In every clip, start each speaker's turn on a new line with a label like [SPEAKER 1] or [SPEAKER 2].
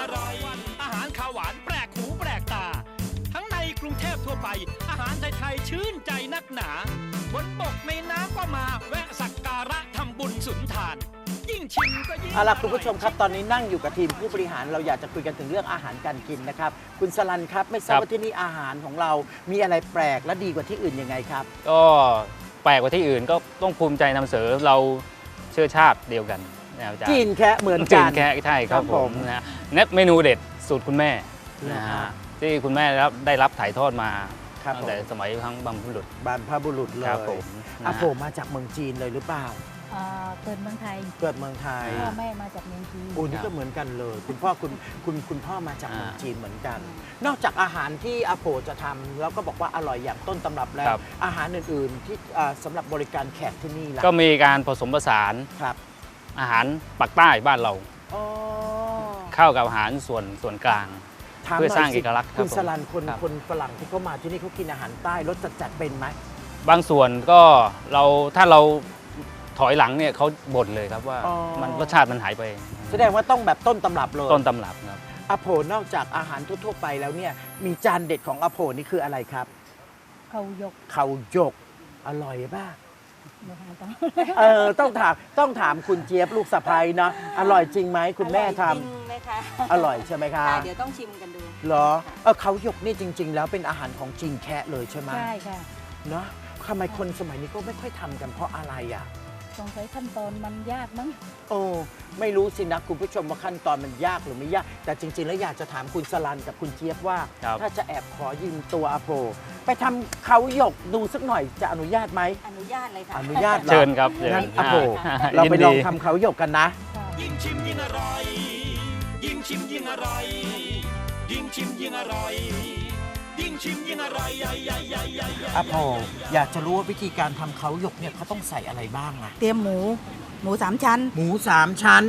[SPEAKER 1] อร่อยอาหารข้าวหวานแปลกหูแปลกตาทั้งในกรุงเทพทั่วไปอาหารไทยๆชื่นใจนักหนาบนบกในน้ำก็มาแวะสักการะทำบุญสุนทานยิ่งชิมก็ยิ่ง
[SPEAKER 2] เอาล่ะคุณผู้ชมครับตอนนี้นั่งอยู่กับทีมผู้บริหารเราอยากจะคุยกันถึงเรื่องอาหารการกินนะครับคุณสลันครับไม่ทราบว่าที่นี่อาหารของเรามีอะไรแปลกและดีกว่าที่อื่นยังไงครับ
[SPEAKER 3] ก็แปลกกว่าที่อื่นก็ต้องภูมิใจนำเสนอเราเชื้อชาติเดียวกันนะครับอาจารย์
[SPEAKER 2] กินแค่เหมือน
[SPEAKER 3] กิ
[SPEAKER 2] กัน น
[SPEAKER 3] แค่ใช่ครั
[SPEAKER 2] ครับ
[SPEAKER 3] บผ
[SPEAKER 2] ผม ม
[SPEAKER 3] นะเน็ตเมนูเด็ดสูตรคุณแม่
[SPEAKER 2] นะ
[SPEAKER 3] นะ
[SPEAKER 2] ฮะ
[SPEAKER 3] ฮะที่คุณแม่ได้รับถ่ายทอดมา
[SPEAKER 2] ครับ
[SPEAKER 3] ตั้งแต่สมัยทั้งบรรพบุรุษ
[SPEAKER 2] บรรพบุรุษเลย
[SPEAKER 3] ครับผม
[SPEAKER 2] อาโผมาจากเมืองจีนเลยหรือเปล่า
[SPEAKER 4] เกิดเมืองไทย
[SPEAKER 2] เกิดเมืองไทย
[SPEAKER 4] พ่อแม่มาจากเมืองจีน
[SPEAKER 2] โอ้นี่ก็เหมือนกันเลย คุณพ่อคุณพ่อมาจากเมืองจีนเหมือนกัน นอกจากอาหารที่อาโผจะทำแล้วก็บอกว่าอร่อยอย่างต้นตำรับแล้ว อาหารอื่นๆที่สำหรับบริการแขกที่นี่ล่ะ
[SPEAKER 3] ก็มีการผสมผสาน
[SPEAKER 2] ครับ
[SPEAKER 3] อาหารปักใต้บ้านเรา
[SPEAKER 2] อ๋อ
[SPEAKER 3] เข้ากับอาหารส่วนกลาง
[SPEAKER 2] ถม
[SPEAKER 3] เพื่อสร้าง
[SPEAKER 2] หน่ย
[SPEAKER 3] เอกลักษณ์ครับ
[SPEAKER 2] คุณ
[SPEAKER 3] ผม
[SPEAKER 2] สลันคน
[SPEAKER 3] ครับ
[SPEAKER 2] คนฝรั่งที่เขามาที่นี่เขากินอาหารใต้รสจัดๆเป็นไหม
[SPEAKER 3] บางส่วนก็ถ้าเราถอยหลังเนี่ยเขาบ่นเลยครับว่ามันรสชาติมันหายไป
[SPEAKER 2] แสดงว่าต้องแบบต้นตำรับเลย
[SPEAKER 3] ต้นตำรับครับ
[SPEAKER 2] อาโผนอกจากอาหารทั่วๆไปแล้วเนี่ยมีจานเด็ดของอาโผนี่คืออะไรครับ
[SPEAKER 4] เขายก
[SPEAKER 2] เขาหยกอร่อยป่ะ
[SPEAKER 4] นะคะต้อง
[SPEAKER 2] ต้องถามคุณเจี๊ยบลูกสะใภ้เนาะอร่อยจริงไหมคุณแม่ท
[SPEAKER 5] อร่อยจริงไหมคะ
[SPEAKER 2] ำอร่อยใช่ไหมคะ
[SPEAKER 5] ค่ะเดี๋ยวต้องชิมกันดู
[SPEAKER 2] เหรอเขาหยกนี่จริง ๆ แล้วเป็นอาหารของจีนแคะเลยใช่ไหม
[SPEAKER 4] ใช่ค่ะ
[SPEAKER 2] เนาะทำไมคนสมัยนี้ก็ไม่ค่อยทำกันเพราะอะไรอ่ะ
[SPEAKER 4] สงสัยขั้นตอนมันยากมั้ง
[SPEAKER 2] โอ้ไม่รู้สินะคุณผู้ชมว่าขั้นตอนมันยากหรือไม่ยาก แต่จริง ๆ แล้วอยากจะถามคุณสลันกับคุณเจี๊ยบว่า
[SPEAKER 3] ครับ
[SPEAKER 2] ถ้าจะแอบขอยืมตัวอาโปไปทำเขาหยกดูสักหน่อยจะอนุญาตไหม
[SPEAKER 5] อนุญาตเลยค่ะ
[SPEAKER 2] อนุญาตหรอ
[SPEAKER 3] เชิญครับเชิญ
[SPEAKER 2] งั้นอาโป
[SPEAKER 3] อ่า
[SPEAKER 2] เราไปลอง
[SPEAKER 3] ยินดี
[SPEAKER 2] ทำเขาหยกกันนะ
[SPEAKER 4] ค่ะ
[SPEAKER 1] ยิ่งชิมยิ่งอร่อย ยิ่งชิมยิ่งอร่อย ยิ่งชิมยิ่งอร่อย ยิ่งชิมยิ่งอร่อยใหญ่ใหญ่ใหญ่ใหญ่
[SPEAKER 2] อาโปอยากจะรู้ว่าวิธีการทำเขาหยกเนี่ยเขาต้องใส่อะไรบ้างอะ
[SPEAKER 4] เตรียมหมูสามชั้น
[SPEAKER 2] หมู3 ชั้น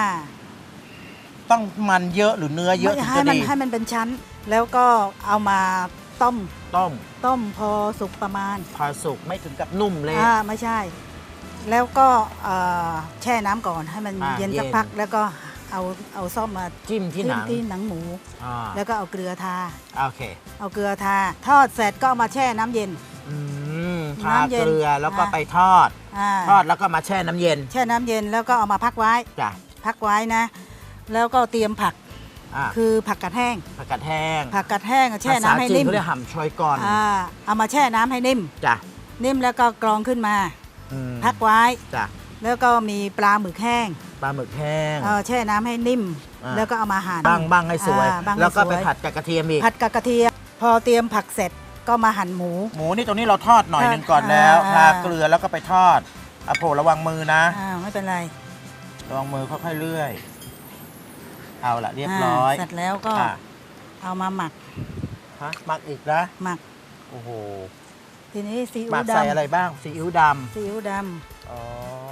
[SPEAKER 2] ต้องมันเยอะหรือเนื้อเยอะถึง
[SPEAKER 4] ให้
[SPEAKER 2] จะ
[SPEAKER 4] มัน
[SPEAKER 2] ดี
[SPEAKER 4] ให้มันเป็นชั้น แล้วก็เอามาต้ม
[SPEAKER 2] ต้ม
[SPEAKER 4] พอสุกประมาณ
[SPEAKER 2] พอสุกไม่ถึงกับนุ่มเลย
[SPEAKER 4] ไม่ใช่ แล้วก็แช่น้ำก่อนให้มัน
[SPEAKER 2] อ่า
[SPEAKER 4] เย็น
[SPEAKER 2] เย็น
[SPEAKER 4] สักพักแล้วก็เอาซ่อมมา
[SPEAKER 2] จิ้มที่หนัง
[SPEAKER 4] ที่หนังหมู
[SPEAKER 2] อ่า
[SPEAKER 4] แล้วก็เอาเกลือทา
[SPEAKER 2] โอเค
[SPEAKER 4] เอาเกลือทา ทอดเสร็จก็เอามาแช่น้ำเย็น
[SPEAKER 2] ทา
[SPEAKER 4] น้ำเย็น
[SPEAKER 2] เกลือแล้วก็
[SPEAKER 4] อ่า
[SPEAKER 2] ไปทอด ทอดแล้วก็มาแช่น้ำเย็น
[SPEAKER 4] แช่น้ำเย็นแล้วก็เอามาพักไว้
[SPEAKER 2] จ้ะ
[SPEAKER 4] พักไว้นะ แล้วก็เตรียมผัก
[SPEAKER 2] อ่ะ
[SPEAKER 4] คือผักกัดแห้ง
[SPEAKER 2] ผักกาดแห้ง
[SPEAKER 4] ผักกัดแห้งแช่น้ำให้นิ่ม
[SPEAKER 2] ภาษาจีเขาเรียกห่ำชอยก่อน
[SPEAKER 4] เอามาแช่น้ำให้นิ่ม
[SPEAKER 2] จ้ะ
[SPEAKER 4] นิ่มแล้วก็กรองขึ้นมา
[SPEAKER 2] อืม
[SPEAKER 4] พักไว้
[SPEAKER 2] จ้ะ
[SPEAKER 4] แล้วก็มีปลาหมึกแห้ง
[SPEAKER 2] ปลาหมึกแห้ง
[SPEAKER 4] แช่น้ำให้นิ่ม
[SPEAKER 2] อ่า
[SPEAKER 4] แล้วก็เอามาหั่น
[SPEAKER 2] บ้างให้สวย
[SPEAKER 4] บ้างให้
[SPEAKER 2] แล้วก็ไป
[SPEAKER 4] สวย
[SPEAKER 2] ผัดกับกระเทียมอีก
[SPEAKER 4] ผัดกับกระเทียม พอเตรียมผักเสร็จก็มาหั่นหมู
[SPEAKER 2] หมูนี่ตรงนี้เราทอดหน่อยหนึงก่อนแล้ว
[SPEAKER 4] อ่า
[SPEAKER 2] ทาเกลือแล้วก็ไปทอดอ่ะโผระวังมือนะ
[SPEAKER 4] ไม่เป็นไร
[SPEAKER 2] ระวังมือค่อยๆเลื่อย เอาละเรียบร้อย
[SPEAKER 4] เสร็จแล้วก็
[SPEAKER 2] อ่ะ
[SPEAKER 4] เอามาหมัก
[SPEAKER 2] ฮะหมักอีกนะ
[SPEAKER 4] หมัก
[SPEAKER 2] โอ้โห
[SPEAKER 4] ทีนี้ซี
[SPEAKER 2] หมั
[SPEAKER 4] อิ๊ว
[SPEAKER 2] กใส่อะไร
[SPEAKER 4] ดำ
[SPEAKER 2] บ้างซีอิ๊วด
[SPEAKER 4] ซีอิ๊วด
[SPEAKER 2] ำอ๋อ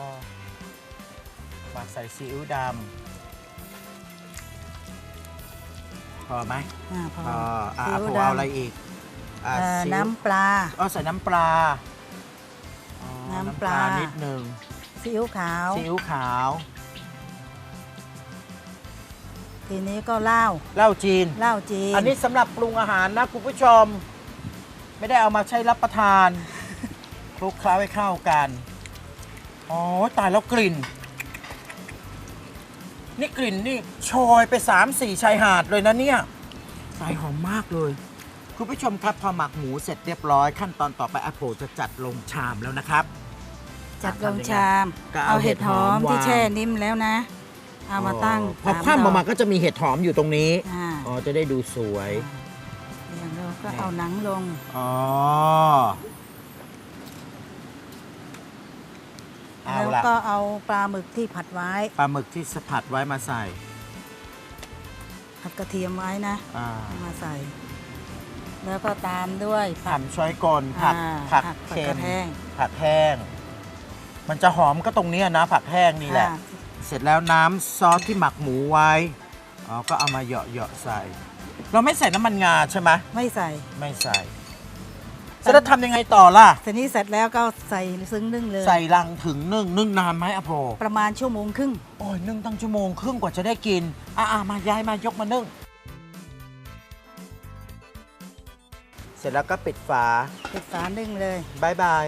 [SPEAKER 2] หมักใส่ซีอิ๊วดำพอไหม
[SPEAKER 4] ำพอ
[SPEAKER 2] อ่ะ
[SPEAKER 4] ซี
[SPEAKER 2] อ่ะ
[SPEAKER 4] อิ๊ว
[SPEAKER 2] ผม
[SPEAKER 4] ด
[SPEAKER 2] เอาอะไรอีกอ่ะ
[SPEAKER 4] ำ
[SPEAKER 2] ซีอิ๊ว
[SPEAKER 4] น้ำปลา
[SPEAKER 2] อ๋อใส่น้ำปลาอ๋อ
[SPEAKER 4] น้ำปลา
[SPEAKER 2] นิดนึง
[SPEAKER 4] ซีอิ๊วขาว
[SPEAKER 2] ซีอิ๊วขาว
[SPEAKER 4] ทีนี้ก็เหล้า
[SPEAKER 2] เหล้าจีน
[SPEAKER 4] เหล้าจีน
[SPEAKER 2] อันนี้สำหรับปรุงอาหารนะคุณผู้ชม ไม่ได้เอามาใช้รับประทาน คลุกเคล้าให้เข้ากัน อ๋อ ตายแล้วกลิ่น นี่กลิ่นนี่โชยไป 3-4 ชายหาดเลยนะเนี่ยตายหอมมากเลย คุณผู้ชมครับพอหมักหมูเสร็จเรียบร้อย ขั้นตอนต่อไปอาโผจะจัดลงชามแล้วนะครับ
[SPEAKER 4] จัดลงชาม
[SPEAKER 2] ก็เอา
[SPEAKER 4] เอาเห็ดหอม
[SPEAKER 2] เห็ดหอม
[SPEAKER 4] ที่
[SPEAKER 2] วาง
[SPEAKER 4] แช่นิ่มแล้วนะ เอามาตั้ง
[SPEAKER 2] พอ
[SPEAKER 4] ต
[SPEAKER 2] คว่ำออกมา
[SPEAKER 4] ด
[SPEAKER 2] ก็จะมีเห็ดหอมอยู่ตรงนี้
[SPEAKER 4] อ่า
[SPEAKER 2] อ๋อ จะได้ดูสวย
[SPEAKER 4] อย่างเราก็เอาหนังลง
[SPEAKER 2] อ๋อ เอา
[SPEAKER 4] แล้ว
[SPEAKER 2] ละ
[SPEAKER 4] ก็เอาปลาหมึกที่ผัดไว้
[SPEAKER 2] ปลาหมึกที่สะผัดไว้มาใส่
[SPEAKER 4] ผัดกระเทียมไว้นะ
[SPEAKER 2] อ่า
[SPEAKER 4] เอามาใส่ แล้วก็ตามด้วยผัก
[SPEAKER 2] ทำช้อยกลผัก
[SPEAKER 4] ผัก
[SPEAKER 2] เค็ม
[SPEAKER 4] กระแห้ง
[SPEAKER 2] ผักแห้ง มันจะหอมก็ตรงเนี้ยนะผักแห้งนี่แหละ
[SPEAKER 4] อ่า
[SPEAKER 2] เสร็จแล้วน้ำซอสที่หมักหมูไว้ อ๋อ ก็เอามาเหยาะๆใส่ เราไม่ใส่น้ำมันงาใช่ไหม
[SPEAKER 4] ไม่ใส่
[SPEAKER 2] ไม่ใส่เสร็จแล้วทำยังไงต่อล่ะ
[SPEAKER 4] ทีนี้เสร็จแล้วก็ใส่ซึ้งนึ่งเลย
[SPEAKER 2] ใส่ลังถึงนึ่งนานไหมอะโพ
[SPEAKER 4] ประมาณชั่วโมงครึ่ง
[SPEAKER 2] โอ้ยนึ่งตั้งชั่วโมงครึ่งกว่าจะได้กินมาย้ายมายกมานึ่งเสร็จแล้วก็ปิดฝา
[SPEAKER 4] ปิดฝานึ่งเลย
[SPEAKER 2] บายบาย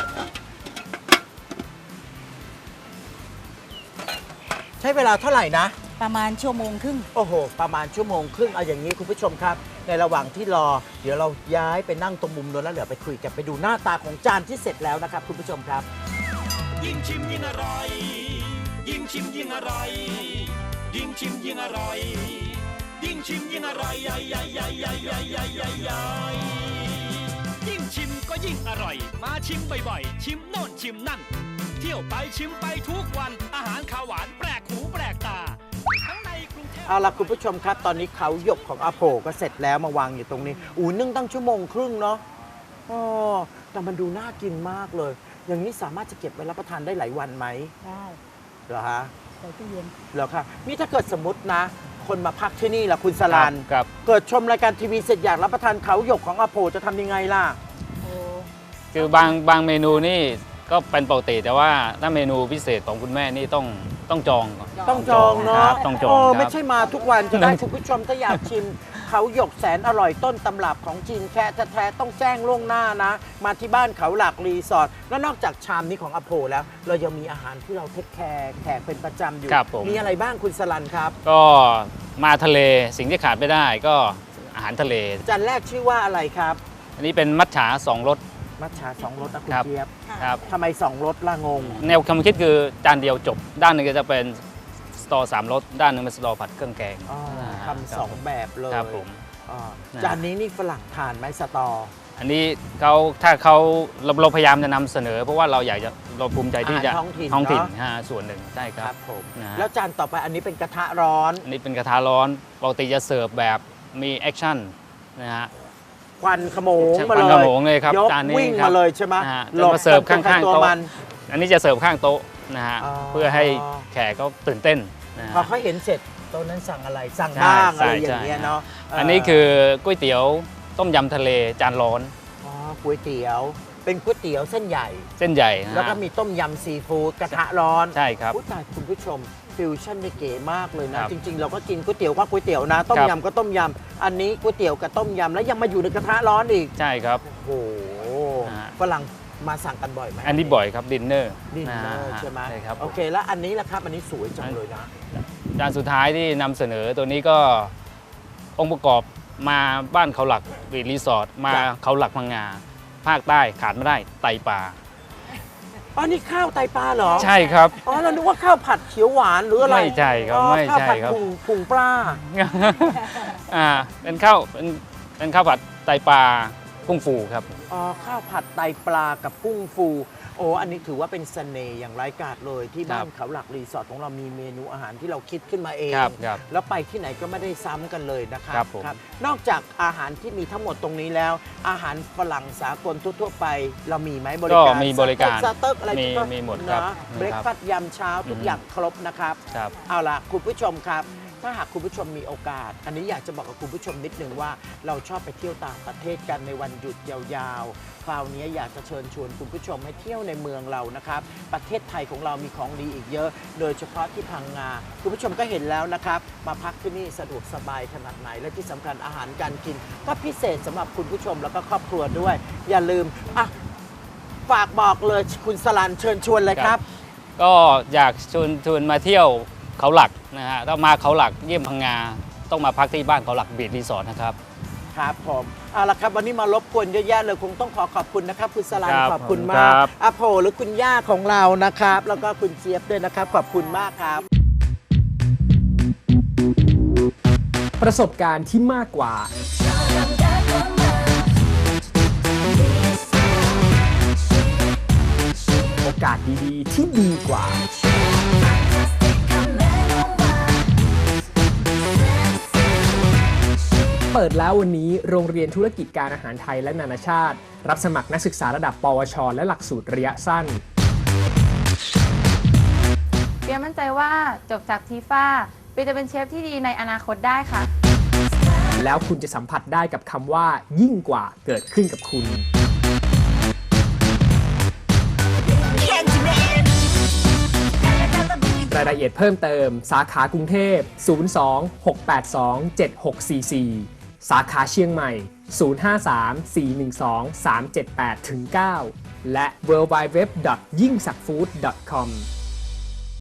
[SPEAKER 2] ใช้เวลาเท่าไหร่นะ
[SPEAKER 4] ประมาณชั่วโมงครึ่ง
[SPEAKER 2] โอ้โห ประมาณชั่วโมงครึ่งเอาอย่างนี้คุณผู้ชมครับ ในระหว่างที่รอ เดี๋ยวเราย้ายไปนั่งตรงมุมโน้นแล้วเดี๋ยวไปคุยกันไปดูหน้าตาของจานที่เสร็จแล้วนะครับคุณผู้ชมครับ
[SPEAKER 1] ยิ่งชิมยิ่งอร่อย ยิ่งชิมยิ่งอร่อย ยิ่งชิมยิ่งอร่อย ยิ่งชิมยิ่งอร่อยใหญ่ใหญ่ใหญ่ใหญ่ใหญ่ใหญ่ใหญ่ใหญ่ยิ่งชิมก็ยิ่งอร่อย มาชิมบ่อยๆ ชิมโน่นชิมนั่น เที่ยวไปชิมไปทุกวัน อาหารข้าวหวานแปลกหูแปลกตา ทั้งในกรุงเทพ
[SPEAKER 2] เอาล่ะคุณผู้ชมครับ ตอนนี้เขาหยกของอาโผก็เสร็จแล้วมาวางอยู่ตรงนี้นึ่งตั้งชั่วโมงครึ่งเนาะอ๋อแต่มันดูน่ากินมากเลย อย่างนี้สามารถจะเก็บไว้รับประทานได้หลายวันไหม
[SPEAKER 4] ได้
[SPEAKER 2] เหรอฮะ
[SPEAKER 4] ใส่ตู้เย็น
[SPEAKER 2] เหรอคะนี่ถ้าเกิดสมมตินะ คนมาพักที่นี่ล่ะคุณสลัน
[SPEAKER 3] ครับ
[SPEAKER 2] เกิดชมรายการทีวีเสร็จอยากรับประทานเขาหยกของอาโผจะทำยังไงล่ะ
[SPEAKER 4] โอ้
[SPEAKER 3] คือบางเมนูนี่ก็เป็นปกติแต่ว่าถ้าเมนูพิเศษของคุณแม่นี่ต้องจองก่อน
[SPEAKER 2] ต้องจองเนาะ
[SPEAKER 3] ครับต้องจอง
[SPEAKER 2] โอ้
[SPEAKER 3] ครับ
[SPEAKER 2] ไม่ใช่มาทุกวันจะได้คุณผู้ชมถ้าอยากชิม เขาหยกแสนอร่อยต้นตำรับของจีนแค่แท้ๆต้องแจ้งล่วงหน้านะ มาที่บ้านเขาหลักรีสอร์ทแล้วนอกจากชามนี้ของอโพแล้ว เรายังมีอาหารที่เราเทคแคร์แขกเป็นประจำอยู่
[SPEAKER 3] ครับผม
[SPEAKER 2] มีอะไรบ้างคุณสลันครับ
[SPEAKER 3] ก็มาทะเลสิ่งที่ขาดไม่ได้ก็อาหารทะเล
[SPEAKER 2] จานแรกชื่อว่าอะไรครับ
[SPEAKER 3] อันนี้เป็นมัทฉา2 รส
[SPEAKER 2] มัทฉาสองรสนะคุณ
[SPEAKER 3] ครับ
[SPEAKER 2] เจี๊ยบ
[SPEAKER 3] ครับ
[SPEAKER 2] ทำไมสองรสละงง
[SPEAKER 3] แนวความคิดคือจานเดียวจบ ด้านหนึ่งก็จะเป็นสตอ3 รสด้านหนึ่งเป็นสตอผัดเครื่องแกง
[SPEAKER 2] อ๋อ
[SPEAKER 3] อ่า
[SPEAKER 2] ทำสองแบบเลย
[SPEAKER 3] ครับผม
[SPEAKER 2] อ๋อ
[SPEAKER 3] นะ
[SPEAKER 2] จานนี้นี่ฝรั่งทานไหมสตอ
[SPEAKER 3] อันนี้ถ้าเราพยายามจะนำเสนอ เพราะว่าเราภูมิใจที่จะ
[SPEAKER 2] อาหารท้องถิ่นเนอะ
[SPEAKER 3] ส่วนหนึ่งใช่ค
[SPEAKER 2] ค
[SPEAKER 3] รั
[SPEAKER 2] รั
[SPEAKER 3] บบ
[SPEAKER 2] ผม
[SPEAKER 3] นะฮะ
[SPEAKER 2] แล้วจานต่อไปอันนี้เป็นกระทะร้อน
[SPEAKER 3] อันนี้เป็นกระทะร้อนปกติจะเสิร์ฟแบบมีแอคชั่นนะฮะ
[SPEAKER 2] ควันขโมงมา
[SPEAKER 3] ควัน
[SPEAKER 2] เลย
[SPEAKER 3] ขโมงเลยครับ
[SPEAKER 2] ยก
[SPEAKER 3] จานนี้
[SPEAKER 2] วิ่ง
[SPEAKER 3] ครับ
[SPEAKER 2] มาเลยใช่ไหม
[SPEAKER 3] นะฮะ
[SPEAKER 2] หลบ
[SPEAKER 3] จะมาเสิร์ฟข้างๆ
[SPEAKER 2] ตัว
[SPEAKER 3] โต๊ะ
[SPEAKER 2] มัน
[SPEAKER 3] อันนี้จะเสิร์ฟข้างโต๊ะนะฮะ
[SPEAKER 2] อ๋อ
[SPEAKER 3] เพื่อให้แขกเขาตื่นเต้นนะฮะ
[SPEAKER 2] พอเขาเห็นเสร็จโต๊ะนั้นสั่งอะไรสั่ง
[SPEAKER 3] ใช่
[SPEAKER 2] บ้างอะไร
[SPEAKER 3] ใช่
[SPEAKER 2] อย่างเงี้ย
[SPEAKER 3] ใช่
[SPEAKER 2] เนาะ
[SPEAKER 3] อันนี้คือก๋วยเตี๋ยวต้มยำทะเลจานร้อน
[SPEAKER 2] ก๋วยเตี๋ยว เป็นก๋วยเตี๋ยวเส้นใหญ่
[SPEAKER 3] เส้นใหญ่นะฮะ
[SPEAKER 2] แล้วก็มีต้มยำซีฟู้ดกระทะร้อน
[SPEAKER 3] ใช่ครับ
[SPEAKER 2] อุ๊ยตายคุณผู้ชมฟิวชั่นได้เก๋มากเลยนะ
[SPEAKER 3] ครับ
[SPEAKER 2] จริง ๆ เราก็กินก๋วยเตี๋ยวก็ก๋วยเตี๋ยวนะ ต้ม
[SPEAKER 3] ครับ
[SPEAKER 2] ยำก็ต้มยำอันนี้ก๋วยเตี๋ยวกับต้มยำแล้วยังมาอยู่ในกระทะร้อนอีก
[SPEAKER 3] ใช่ครับ
[SPEAKER 2] โอ้โห
[SPEAKER 3] ฮะ
[SPEAKER 2] ฝรั่งมาสั่งกันบ่อยไหม
[SPEAKER 3] อันนี้บ่อยครับดินเนอร์
[SPEAKER 2] ดินเนอร์ใช่ไหม
[SPEAKER 3] ใช่ครับ
[SPEAKER 2] โอเคแล้วอันนี้ล่ะครับอันนี้สวยจังเลยนะ
[SPEAKER 3] จานสุดท้ายที่นำเสนอตัวนี้ก็องค์ประกอบมาบ้านเขาหลักรีสอร์ทมา
[SPEAKER 2] ครับ
[SPEAKER 3] เขาหลักพังงาภาคใต้ขาดไม่ได้ไตปลา
[SPEAKER 2] อ๋อนี่ข้าวไตปลาเหรอ
[SPEAKER 3] ใช่ครับ
[SPEAKER 2] อ๋อเรานึกว่าข้าวผัดเขียวหวานหรืออะไร
[SPEAKER 3] ไม่ใช่ครับ
[SPEAKER 2] อ๋อ
[SPEAKER 3] ไม่ใช่
[SPEAKER 2] ข้าวผัด
[SPEAKER 3] ครับ
[SPEAKER 2] ผงปลา
[SPEAKER 3] เป็นข้าวผัดไตปลากุ้งฟูครับ
[SPEAKER 2] อ๋อข้าวผัดไตปลากับกุ้งฟูโอ้อันนี้ถือว่าเป็นเสน่ห์อย่างไร้กาจเลยที่บ้าน
[SPEAKER 3] ครับ
[SPEAKER 2] เขาหลักรีสอร์ทของเรามีเมนูอาหารที่เราคิดขึ้นมาเอง
[SPEAKER 3] ครับครับ
[SPEAKER 2] แล้วไปที่ไหนก็ไม่ได้ซ้ำกันเลยนะครับ
[SPEAKER 3] ครับผม
[SPEAKER 2] นอกจากอาหารที่มีทั้งหมดตรงนี้แล้ว อาหารฝรั่งสากลทั่วๆไป เรามีไหมบริ
[SPEAKER 3] ก็
[SPEAKER 2] การ
[SPEAKER 3] มีบริการ
[SPEAKER 2] สเต็กอะไร
[SPEAKER 3] มีหมดครับ
[SPEAKER 2] นะ
[SPEAKER 3] มี
[SPEAKER 2] เบรก
[SPEAKER 3] ครับ
[SPEAKER 2] ฟาสต์ยามเช้าทุก
[SPEAKER 3] อืม
[SPEAKER 2] อย่างครบนะครับ
[SPEAKER 3] ครับ
[SPEAKER 2] เอาล่ะคุณผู้ชมครับ ถ้าหากคุณผู้ชมมีโอกาส อันนี้อยากจะบอกกับคุณผู้ชมนิดนึงว่าเราชอบไปเที่ยวต่างประเทศกันในวันหยุดยาวๆ คราวนี้อยากจะเชิญชวนคุณผู้ชมให้เที่ยวในเมืองเรานะครับ ประเทศไทยของเรามีของดีอีกเยอะ โดยเฉพาะที่พังงา คุณผู้ชมก็เห็นแล้วนะครับ มาพักที่นี่สะดวกสบายขนาดไหน และที่สำคัญอาหารการกิน ก็พิเศษสำหรับคุณผู้ชมแล้วก็ครอบครัวด้วย อย่าลืมอ่ะฝากบอกเลยคุณสลันเชิญชวนเลยครับ
[SPEAKER 3] ก็อยากชวนมาเที่ยวเขาหลักนะฮะถ้ามาเขาหลักเยี่ยมพังงาต้องมาพักที่บ้านเขาหลักบีชรีสอร์ทนะครับ
[SPEAKER 2] ครับผมเอาละครับวันนี้มารบกวนเยอะแยะเลยคงต้องขอบคุณนะครับคุณสลัน
[SPEAKER 3] ครับ
[SPEAKER 2] ขอบคุณ
[SPEAKER 3] ขอบคุณ
[SPEAKER 2] มา
[SPEAKER 3] ค
[SPEAKER 2] ก
[SPEAKER 3] รับ
[SPEAKER 2] อาโผหรือคุณย่าของเรานะครับ แล้วก็คุณเจี๊ยบด้วยนะครับ ขอบคุณมากครับ
[SPEAKER 5] ประสบการณ์ที่มากกว่า โอกาสดีๆ ที่ดีกว่า เปิดแล้ววันนี้โรงเรียนธุรกิจการอาหารไทยและนานาชาติ รับสมัครนักศึกษาระดับ ปวช และหลักสูตรระยะสั้น
[SPEAKER 6] เปียมั่นใจว่าจบจากทีฟ้าเปียจะเป็นเชฟที่ดีในอนาคตได้ค่ะ
[SPEAKER 5] แล้วคุณจะสัมผัสได้กับคำว่ายิ่งกว่าเกิดขึ้นกับคุณเอียดเพิ่มเติมสาขากรุงเทพ 02-682-7644 สาขาเชียงใหม่ 053-412-378-9 และ worldwideweb.yingsakfood.com